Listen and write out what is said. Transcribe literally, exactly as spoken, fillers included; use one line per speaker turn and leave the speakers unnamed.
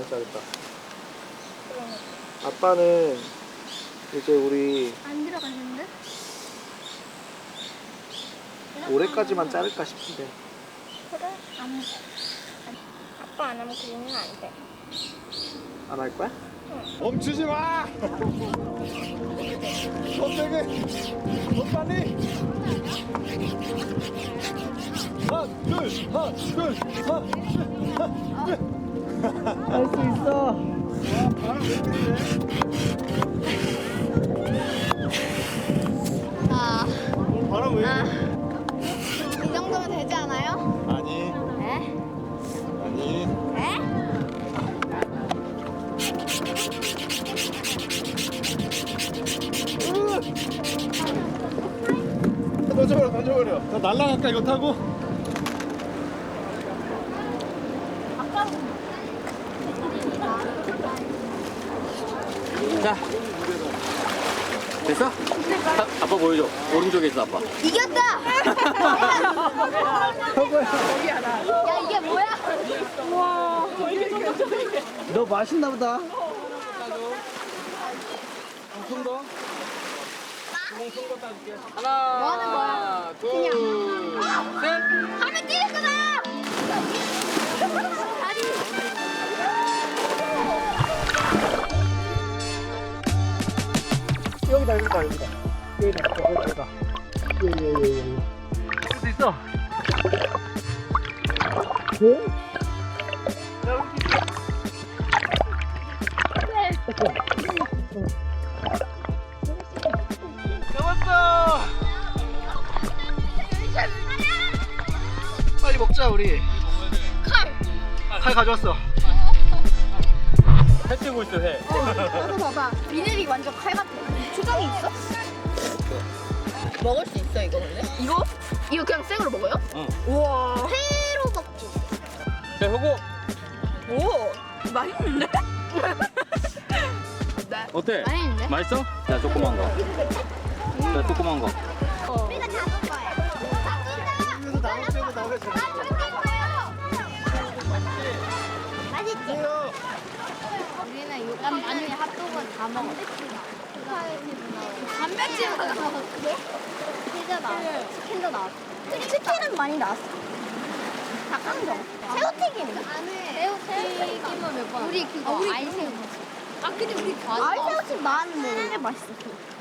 자르다. 아빠는 이제 우리
안 들어갔는데?
올해까지만 자를까 싶은데.
그래? 안 아빠 안 하면 그림은 안 돼.
안 할 거야?
멈추지 마! 더 세게! 더 빨리! 하나, 둘, 하나, 둘, 하나, 둘,
할 수 있어.
바람 왜 때리네?
아,
바람 왜
아,
이래?
이 정도면 되지 않아요?
아니,
에?
아니.
에?
던져버려, 던져버려. 나 날라갈까, 이거 타고?
자, 됐어? 아, 아빠 보여줘. 오른쪽에 있어, 아빠.
이겼다! 야, 이게 뭐야?
너 맛있나 보다.
손 더. 하나,
뭐 하는 거야?
둘, 셋.
하면 뛰겠구나! 아니.
여기다 여기다 여기다. 여기다 여기다. 예예예. 할 수 있어. 네? 잡았어. 빨리 먹자 우리.
칼!
칼 가져왔어.
해 뜨고 있어, 해.
너도 봐봐. 비늘이 완전 칼 같아. 초장이 있어? 먹을 수 있어 이거 근데? 이거? 이거 그냥 생으로 먹어요?
응.
우와. 회로 먹지.
자, 효고.
오, 맛있는데?
어때?
맛있는데?
맛있어? 자, 조그만 거. 자, 조그만 거.
우리가 잡은 거예요.
이거 나올 때도 나오게 잘.
맛있지? 우리는 요감 아니 핫도그 다 먹어. 단백질 나왔어. 피자 나왔어. 치킨도 나왔어. 치킨은 많이 나왔어. 닭강정. 새우튀김인가? 새우튀김은 몇 번? 우리 그거 아이새우. 아 근데 우리 다 아이새우튀김 나왔는데 왜 맛있어?